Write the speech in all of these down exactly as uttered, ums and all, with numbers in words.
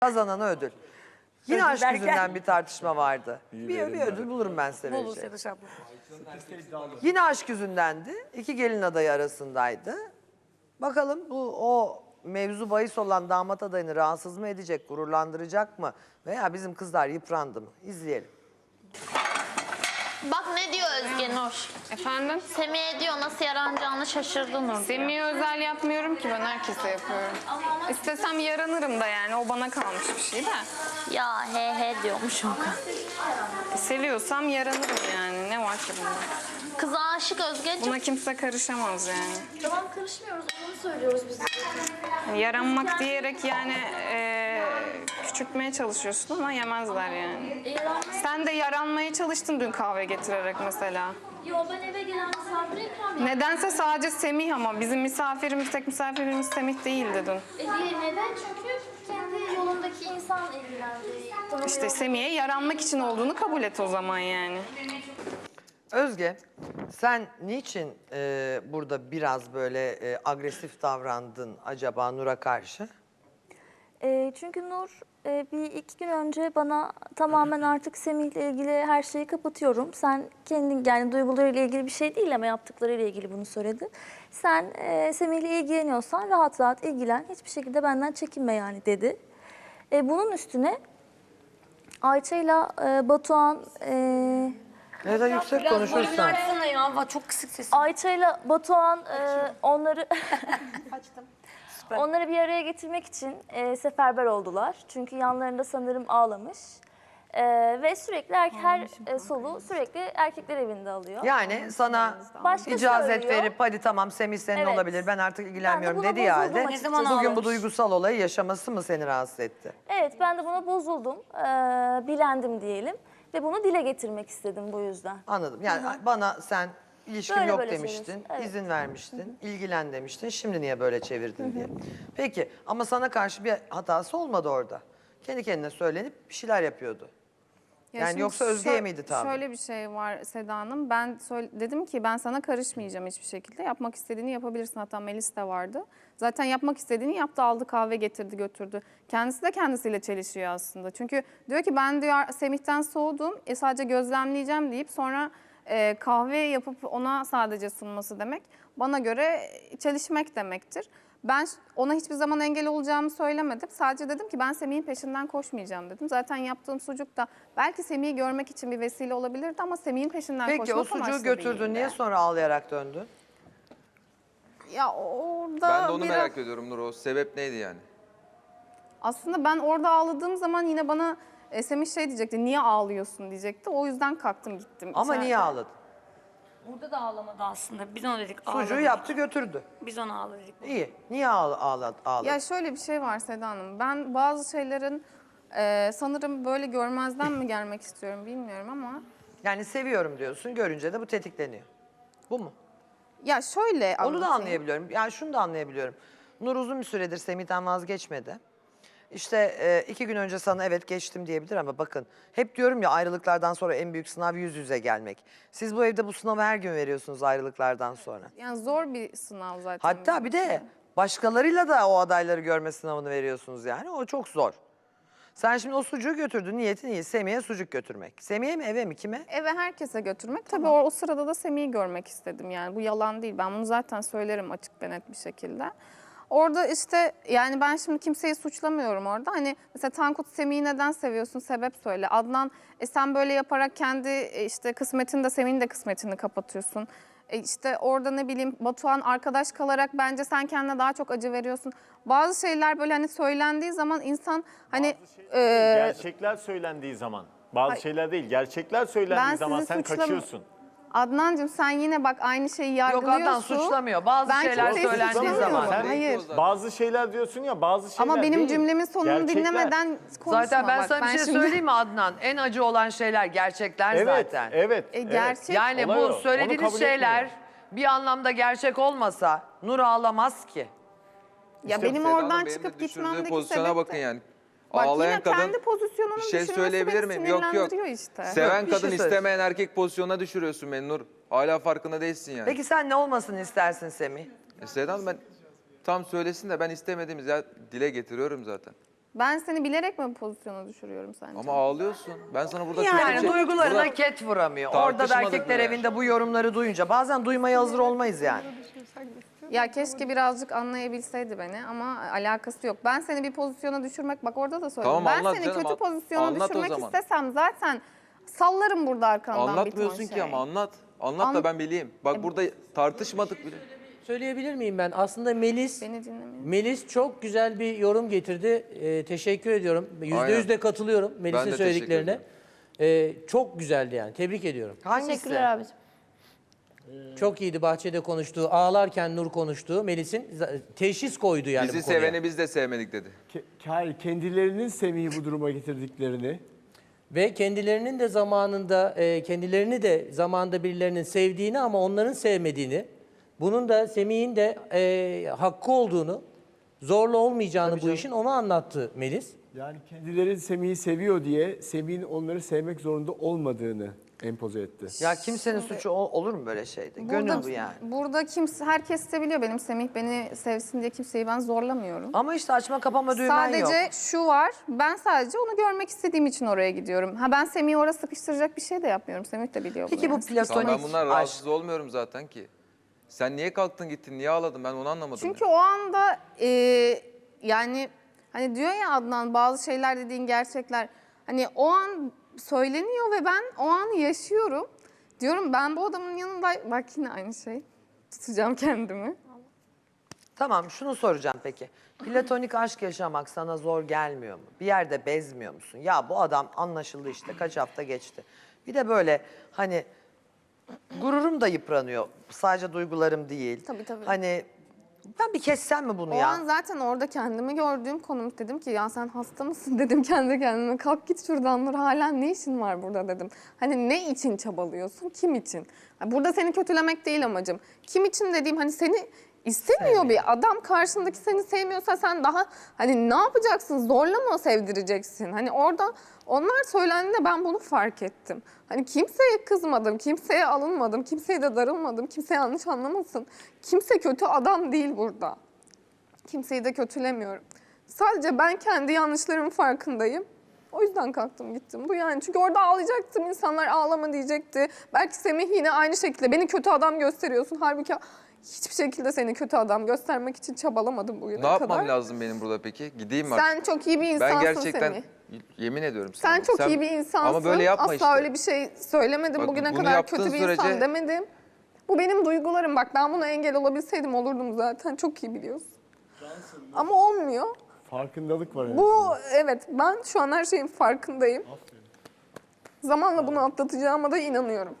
Kazanana ödül. Yine Ödül aşk derken- yüzünden bir tartışma vardı. Bir, bir ödül bulurum ben size Bulur vereceğim. Sedaş abla. Yine aşk yüzündendi. İki gelin adayı arasındaydı. Bakalım bu o mevzu bahis olan damat adayını rahatsız mı edecek, gururlandıracak mı? Veya bizim kızlar yıprandı mı? İzleyelim. Bak ne diyor Özge Nur. Efendim? Semih'e diyor nasıl yaranacağını şaşırdı Nur diyor. Semih'e özel yapmıyorum ki, ben herkese yapıyorum. İstesem yaranırım da yani, o bana kalmış bir şey de. Ya he he diyormuş o kadar. E, seviyorsam yaranırım yani, ne var ki bunda? Kıza aşık Özgeciğim. Buna kimse karışamaz yani. Tamam karışmıyoruz, onu söylüyoruz biz de. Yani yaranmak diyerek yani e, küçültmeye çalışıyorsun ama yemezler yani. E, yaranmayı... Sen de yaranmaya çalıştın dün kahve getirerek mesela. Yo, ben eve gelen misafire ikram ettim. Nedense sadece Semih, ama bizim misafirimiz, tek misafirimiz Semih değildi dün. E, diye neden? Çünkü kendi yolundaki insan ilgilendi. Tanımıyor. İşte Semih'e yaranmak için olduğunu kabul et o zaman yani. Özge, sen niçin e, burada biraz böyle e, agresif davrandın acaba Nur'a karşı? E, çünkü Nur e, bir iki gün önce bana tamamen artık Semih'le ilgili her şeyi kapatıyorum. Sen kendin, yani duygularıyla ilgili bir şey değil ama yaptıklarıyla ilgili bunu söyledi. Sen e, Semih'le ilgileniyorsan rahat rahat ilgilen. Hiçbir şekilde benden çekinme yani dedi. E, bunun üstüne Ayça'yla e, Batuhan... E, Ne kadar yüksek konuşursan. Açsana ya, çok kısık sesin. Ayça'yla Batuhan e, onları onları bir araya getirmek için e, seferber oldular. Çünkü yanlarında sanırım ağlamış. E, ve sürekli er, her e, solu sürekli erkekler evinde alıyor. Yani sana Başka icazet söylüyor. verip hadi tamam Semih senin Evet. olabilir ben artık ilgilenmiyorum Ben de buna dediği bozuldum halde açıkçası. bugün bu ağlamış? duygusal olayı yaşaması mı seni rahatsız etti? Evet, ben de buna bozuldum. E, bilendim diyelim. Ve bunu dile getirmek istedim bu yüzden. Anladım. Yani bana sen ilişkim Böyle yok böyle demiştin, söylüyorsun, evet. izin vermiştin, ilgilen demiştin. Şimdi niye böyle çevirdin diye. Peki ama sana karşı bir hatası olmadı orada. Kendi kendine söylenip bir şeyler yapıyordu. Ya Yani şimdi yoksa Özge'ye şö- miydi tavrı? Şöyle bir şey var Seda Hanım. Ben söyle- dedim ki ben sana karışmayacağım hiçbir şekilde. Yapmak istediğini yapabilirsin. Hatta Melis de vardı. Zaten yapmak istediğini yaptı, aldı kahve getirdi götürdü. Kendisi de kendisiyle çelişiyor aslında. Çünkü diyor ki ben diyor Semih'ten soğudum. E, sadece gözlemleyeceğim deyip sonra e, kahve yapıp ona sadece sunması demek. Bana göre çelişmek demektir. Ben ona hiçbir zaman engel olacağımı söylemedim. Sadece dedim ki ben Semih'in peşinden koşmayacağım dedim. Zaten yaptığım sucuk da belki Semih'i görmek için bir vesile olabilirdi ama Semih'in peşinden Peki koşmak o sucuğu amaçlı götürdün değildi. niye sonra ağlayarak döndün? Ya orada Ben de onu biraz... merak ediyorum Nur. O sebep neydi yani? Aslında ben orada ağladığım zaman yine bana e, Semih şey diyecekti, niye ağlıyorsun diyecekti. O yüzden kalktım gittim. Ama İçeride. niye ağladın? Burada da ağlamadı aslında. Biz ona dedik Sucuğu ağladı. yaptı götürdü. Biz ona ağladık. İyi. Niye ağla, ağla, ağladın? Ya şöyle bir şey var Seda Hanım. Ben bazı şeylerin e, sanırım böyle görmezden mi gelmek istiyorum bilmiyorum ama... Yani seviyorum diyorsun görünce de bu tetikleniyor. Bu mu? Ya şöyle Onu da anlatayım. anlayabiliyorum. Yani şunu da anlayabiliyorum. Nur uzun bir süredir Semih'ten vazgeçmedi. İşte e, iki gün önce sana evet geçtim diyebilir ama bakın hep diyorum ya ayrılıklardan sonra en büyük sınav yüz yüze gelmek. Siz bu evde bu sınavı her gün veriyorsunuz ayrılıklardan sonra. Yani zor bir sınav zaten. Hatta bizim bir için. de başkalarıyla da o adayları görme sınavını veriyorsunuz yani. O çok zor. Sen şimdi o sucuğu götürdün. Niyetin iyi. Semih'e sucuk götürmek. Semih'e mi eve mi kime? Eve herkese götürmek. Tabii o, o sırada da Semih'i görmek istedim yani. Bu yalan değil. Ben bunu zaten söylerim açık ve net bir şekilde. Orada işte yani ben şimdi kimseyi suçlamıyorum orada. Hani mesela Tankut Semih'i neden seviyorsun? Sebep söyle. Adnan e sen böyle yaparak kendi e, işte kısmetini de Semih'in de kısmetini kapatıyorsun. E işte orada ne bileyim Batuhan arkadaş kalarak bence sen kendine daha çok acı veriyorsun. Bazı şeyler böyle hani söylendiği zaman insan hani... Bazı şeyler, e, gerçekler söylendiği zaman. Bazı Hayır. şeyler değil, gerçekler söylendiği Ben zaman sizi sen suçlam- kaçıyorsun. Adnancığım sen yine bak aynı şeyi Yok yargılıyorsun. Adnan suçlamıyor. Bazı Ben şeyler kimseyi söylendiği suçlamıyorum. zaman. Sen- Hayır. Bazı şeyler diyorsun ya, bazı şeyler Ama benim değil. cümlemin sonunu Gerçekler. dinlemeden konuşma. Zaten ben bak. sana bir şey şimdi- söyleyeyim mi Adnan? En acı olan şeyler gerçekler Evet, zaten. evet, E, evet. gerçek- Yani Olay bu o. Onu söylediğiniz kabul şeyler etmiyorum. bir anlamda gerçek olmasa Nur ağlamaz ki. Ya İşte benim Seda Hanım, oradan benim de çıkıp düşürdüğü gitmemdeki pozisyona sebep bakın de- yani. Bak Ağlayan yine kadın kendi pozisyonunun bir şey düşünmesi söyleyebilir beni miyim? Yok yok. sinirlendiriyor işte. Seven Bir şey kadın söyle. istemeyen erkek pozisyonuna düşürüyorsun beni Nur. Hala farkında değilsin yani. Peki sen ne olmasını istersin Semih? E Seda Hanım ben tam söylesin de ben istemediğimiz ya dile getiriyorum zaten. Ben seni bilerek mi bu pozisyona düşürüyorum sence? Ama ağlıyorsun. Ben sana burada Yani kötü bir şey- duygularına Burada ket vuramıyor. Orada da tartışmadık erkekler bile. evinde bu yorumları duyunca bazen duymaya hazır olmayız yani. Ya keşke birazcık anlayabilseydi beni ama alakası yok. Ben seni bir pozisyona düşürmek, bak orada da söyledim. Tamam, ben anlat seni canım, kötü an- pozisyona anlat o düşürmek zaman. istesem zaten sallarım burada arkandan bir ton Anlatmıyorsun şey. ki ama anlat. Anlat da An- ben bileyim. Bak burada tartışmadık bile. Söyleyebilir miyim ben? Aslında Melis Beni dinlemiyor. Melis çok güzel bir yorum getirdi. Ee, teşekkür ediyorum. Yüzde Aynen. yüz de katılıyorum Ben Melis'in de söylediklerine. Ee, çok güzeldi yani. Tebrik ediyorum. Hangisi? Teşekkürler abicim. Çok iyiydi bahçede konuştuğu, ağlarken Nur konuştuğu. Melis'in za- teşhis koydu yani Bizi bu konuya. seveni biz de sevmedik dedi. Ke- Hayır, kendilerinin Semih'i bu duruma getirdiklerini. Ve kendilerinin de zamanında, e, kendilerini de zamanında birilerinin sevdiğini ama onların sevmediğini, bunun da Semih'in de e, hakkı olduğunu, zorla olmayacağını bu işin onu anlattı Melis. Yani kendileri Semih'i seviyor diye Semih'in onları sevmek zorunda olmadığını empoze etti. Ya kimsenin suçu ol- olur mu böyle şeyde? Gönül bu yani. Burada kimse, herkes de biliyor benim Semih beni sevsin diye kimseyi ben zorlamıyorum. Ama işte açma kapama düğmen Sadece yok. şu var, ben sadece onu görmek istediğim için oraya gidiyorum. Ha ben Semih'i oraya sıkıştıracak bir şey de yapmıyorum. Semih de biliyor bunu. Peki bu yani. Tamam, platonik ben bundan aşk. rahatsız olmuyorum zaten ki. Sen niye kalktın gittin, niye ağladın ben onu anlamadım. Çünkü ya. o anda e, yani hani diyor ya Adnan bazı şeyler dediğin gerçekler. Hani o an söyleniyor ve ben o anı yaşıyorum. Diyorum ben bu adamın yanında bak yine aynı şey. Tutacağım kendimi. Tamam şunu soracağım peki. Platonik aşk yaşamak sana zor gelmiyor mu? Bir yerde bezmiyor musun? Ya bu adam anlaşıldı işte kaç hafta geçti. Bir de böyle hani gururum da yıpranıyor. Sadece duygularım değil. Tabii, tabii. Hani ben bir kessem mi bunu O ya? an zaten orada kendimi gördüğüm konum dedim ki ya sen hasta mısın dedim kendi kendime. Kalk git şuradan Nur hala ne işin var burada dedim. Hani ne için çabalıyorsun kim için? Ha, burada seni kötülemek değil amacım. Kim için dediğim hani seni istemiyor bir adam karşındaki seni sevmiyorsa sen daha hani ne yapacaksın zorla mı sevdireceksin? Hani orada onlar söylendiğinde ben bunu fark ettim. Hani kimseye kızmadım, kimseye alınmadım, kimseye de darılmadım, kimse yanlış anlamasın. Kimse kötü adam değil burada. Kimseyi de kötülemiyorum. Sadece ben kendi yanlışlarımın farkındayım. O yüzden kalktım gittim. Bu yani çünkü orada ağlayacaktım. İnsanlar ağlama diyecekti. Belki Semih yine aynı şekilde beni kötü adam gösteriyorsun. Halbuki hiçbir şekilde seni kötü adam göstermek için çabalamadım bugüne Ne kadar. yapmam lazım benim burada peki? Gideyim mi artık? Sen çok iyi bir insansın Ben gerçekten Semih. yemin ediyorum sana. Sen çok iyi bir insansın. Ama böyle yapma Asla işte. öyle bir şey söylemedim. Bak, Bugüne bunu kadar yaptığın kötü bir sürece- insan demedim. Bu benim duygularım. Bak ben buna engel olabilseydim olurdum zaten. Çok iyi biliyorsun. Ama olmuyor. Farkındalık var. en Bu azından. evet ben şu an her şeyin farkındayım. Zamanla bunu atlatacağıma da inanıyorum.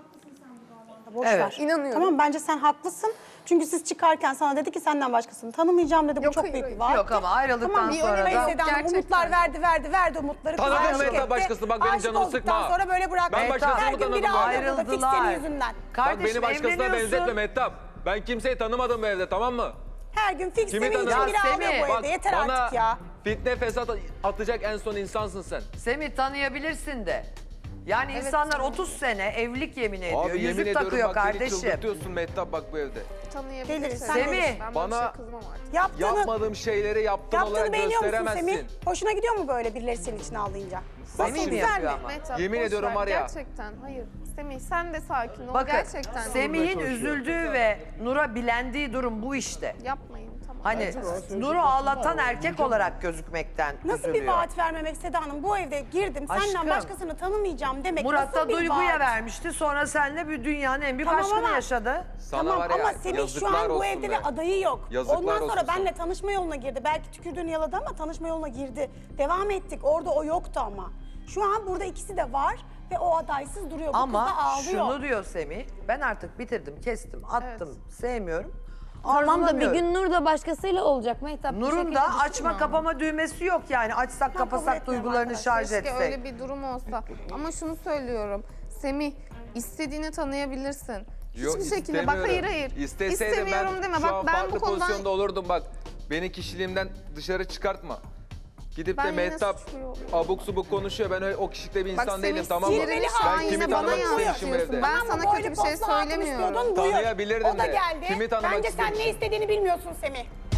Boş Evet. ver. İnanıyorum. Tamam bence sen haklısın. Çünkü siz çıkarken sana dedi ki senden başkasını tanımayacağım dedi. Bu Yok, çok hayır, büyük hayır. bir vaat. Yok ama ayrıldıktan tamam, bir sonra önüme da- Seda Hanım Gerçekten. umutlar verdi, verdi, verdi umutları. Kız Tanıdım aşık Mehtap etti. başkasını, bak benim Aşık canımı olduktan sıkma. sonra böyle bıraktı. Ben başkasını Her mı gün biri tanıdım lan? ağlıyordu da fix senin Ayrıldılar. yüzünden. Bak Kardeşim beni başkasına evleniyorsun. benzetme Mehtap. Ben kimseyi tanımadım bu evde, tamam mı? Her gün fix Kimi senin için tanıdın? biri Ya ağlıyor Semih, bu Bak evde. Yeter bana artık ya. fitne fesat atacak en son insansın sen. Semih tanıyabilirsin de. Yani insanlar otuz sene evlilik yemin ediyor. Abi yemin Yüzük ediyorum takıyor bak beni kardeşim. çıldırtıyorsun Mehtap bak bu evde. Tanıyabilirsin. Geliriz, sen Semih, gelirsin. Ben bana- bana şey kızmam artık. Yaptığını, Yapmadığım şeyleri yaptığın yaptığını olarak beğeniyor musun gösteremezsin. Semih? Hoşuna gidiyor mu böyle birileri senin için ağlayınca? Semih Nasıl, mi güzel yapıyor mi? ama? Mehtap, Yemin boş ediyorum ver. var ya. Gerçekten hayır. Semih sen de sakin ol. Bakın Gerçekten. Semih'in üzüldüğü ve Nur'a bilendiği durum bu işte. Yapmayın tamam. Hani Nur'u ağlatan erkek olarak gözükmekten Nasıl bir üzülüyor. vaat vermemek Seda Hanım? Bu evde girdim, Aşkım. senden başkasını tanımayacağım demek Murat da nasıl bir duyguya vaat? vermişti. Sonra seninle bir dünyanın en büyük Tamam aşkını ama- yaşadı. Sana Tamam var ya, ama Semih şu yazıklar an bu olsun evde be. ve adayı yok. Yazıklar Ondan sonra olsun benle sana. tanışma yoluna girdi. Belki tükürdüğünü yaladı ama tanışma yoluna girdi. Devam ettik. Orada o yoktu ama. Şu an burada ikisi de var ve o adaysız duruyor. Bu Ama kız da ağlıyor. şunu diyor Semih. Ben artık bitirdim, kestim, attım, sevmiyorum. Tamam da bir arzulamıyorum. gün Nur da başkasıyla olacak Mehtap. bu Nur'un şekilde da düşünme açma ama. kapama düğmesi yok yani. Açsak kabul kapasak etmiyorum duygularını arkadaşlar. şarj Keşke etsek. öyle bir durum olsa. Ama şunu söylüyorum. Semih istediğini tanıyabilirsin. Yok, Hiçbir şekilde bak hayır istemiyorum. hayır. İsteseydim İstemiyorum ben deme. şu Bak an ben farklı bu konudan pozisyonda olurdum bak. Beni kişiliğimden dışarı çıkartma. Gidip Ben de yine Mehtap suçlu oluyorum. abuk subuk konuşuyor. Ben öyle, o kişilikte bir Bak insan Semih değilim tamam mı? sinirli şu an Ben kimi yine bana tanımak istemişim bu yansıtıyorsun. evde. Ben Ama sana boylu kötü bir şey poslu hatun söylemiyorum. istiyordun, buyur. Tanıyabilirdim O da de. geldi. Kimi tanımak Bence sen ne istemişim? istediğini bilmiyorsun Semih.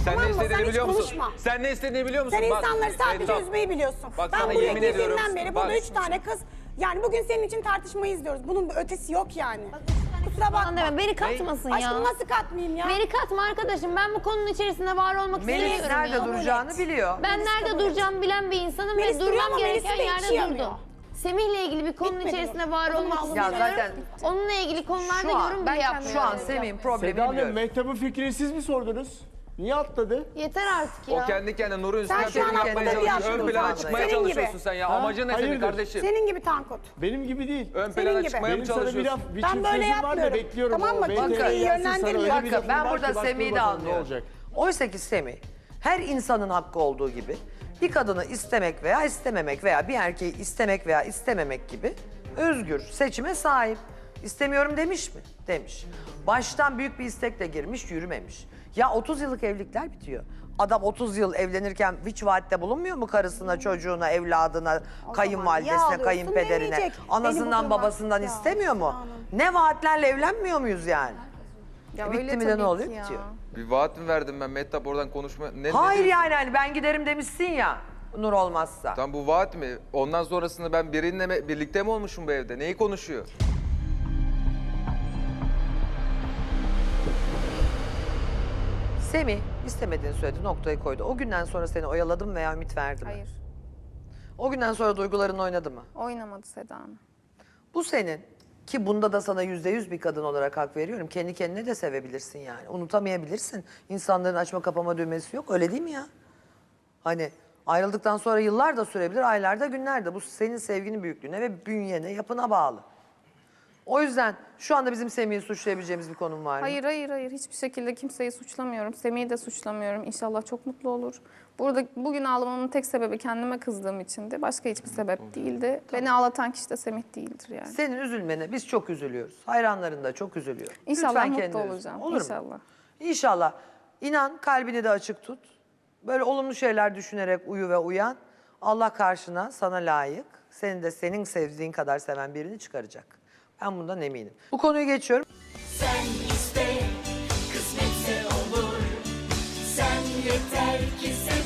Sen tamam ne mı? Sen istediğini hiç biliyor musun? konuşma. Sen ne istediğini biliyor musun? Sen Bak, insanları sadece Mehtap, üzmeyi biliyorsun. Bak ben sana buraya yemin ediyorum. girdiğimden beri Bak. burada üç tane kız. Yani bugün senin için tartışmayı izliyoruz. Bunun bir ötesi yok yani. Kusura bakma. Deme, beni katmasın ya. Aşkım nasıl katmayayım ya? Beni katma arkadaşım. Ben bu konunun içerisinde var olmak Melis istemiyorum nerede ya. duracağını biliyor. Ben nerede duracağımı bilen bir insanım Melis ve duruyor durmam ama Melis'in gereken de yerde içi yanıyor. durdum. Semih'le ilgili bir konunun Bitmedi içerisinde mi? var Onun olmak ağzını Ya istemiyorum. zaten Onunla ilgili konularda şu an, yorum ben bile kendim- yapmıyorum. şu an Semih'in problemini Seda Hanım, biliyorum. Mehtap'ın fikrini siz mi sordunuz? Niye atladı? Yeter artık ya. O kendi kendine Nur'un Sen üstüne şu an yapmaya atladın bir çalışıyor. yaşlı Ön plana Tankut. çıkmaya Senin gibi. çalışıyorsun sen ya. Ha? Amacın ne senin Hayırdır? kardeşim? Senin gibi Tankut. Benim gibi değil. Ön Senin plana gibi. çıkmaya mı Benim sana bir çalışıyorsun? laf, bir Ben çift böyle sözüm var da yapmıyorum. bekliyorum. Tamam o mı? B T S'yi Kimseyi gelsin sana, yönlendirmiyorum. öyle bir Bakın lafım ben var burada ki bak dur Semih'i de bakalım ne anlıyorum. olacak. Oysa ki Semih her insanın hakkı olduğu gibi bir kadını istemek veya istememek veya bir erkeği istemek veya istememek gibi özgür seçime sahip. İstemiyorum demiş mi? Demiş. Baştan büyük bir istekle girmiş, yürümemiş. Ya otuz yıllık evlilikler bitiyor. Adam otuz yıl evlenirken hiç vaatte bulunmuyor mu karısına, çocuğuna, evladına, niye kayınvalidesine, ağlıyorsun? kayınpederine? Demeyecek. Beni bu Anasından duruma- babasından Ya, istemiyor mu? Hanım. Ne vaatlerle evlenmiyor muyuz yani? Ya Bitti öyle mi de tabii ne oluyor? ki ya. Bitiyor. Bir vaat mi verdim ben Mehtap oradan konuşma? Ne, ne Hayır diyorsun? yani hani ben giderim demişsin ya Nur olmazsa. Tam bu vaat mi? Ondan sonrasında ben birininle mi, birlikte mi olmuşum bu evde? Neyi konuşuyor? Semih istemediğini söyledi, noktayı koydu. O günden sonra seni oyaladım veya ümit verdi mi? Hayır. O günden sonra duyguların oynadı mı? Oynamadı Seda Hanım. Bu senin ki bunda da sana yüzde yüz bir kadın olarak hak veriyorum. Kendi kendine de sevebilirsin yani. Unutamayabilirsin. İnsanların açma kapama düğmesi yok. Öyle değil mi ya? Hani ayrıldıktan sonra yıllar da sürebilir, aylar da günler de. Bu senin sevginin büyüklüğüne ve bünyene, yapına bağlı. O yüzden şu anda bizim Semih'i suçlayabileceğimiz bir konum var mı? Hayır hayır hayır hiçbir şekilde kimseyi suçlamıyorum. Semih'i de suçlamıyorum. İnşallah çok mutlu olur. Burada bugün ağlamamın tek sebebi kendime kızdığım içindi. Başka hiçbir sebep değildi. Beni ağlatan kişi de Semih değildir yani. Senin üzülmene biz çok üzülüyoruz. Hayranların da çok üzülüyor. İnşallah Lütfen mutlu kendini üzme. olacağım. Olur mu? İnşallah. İnşallah. İnan, kalbini de açık tut. Böyle olumlu şeyler düşünerek uyu ve uyan. Allah karşına sana layık, seni de senin sevdiğin kadar seven birini çıkaracak. Ben bundan eminim. Bu konuyu geçiyorum. Sen iste, kısmetse olur. Sen yeter ki sev.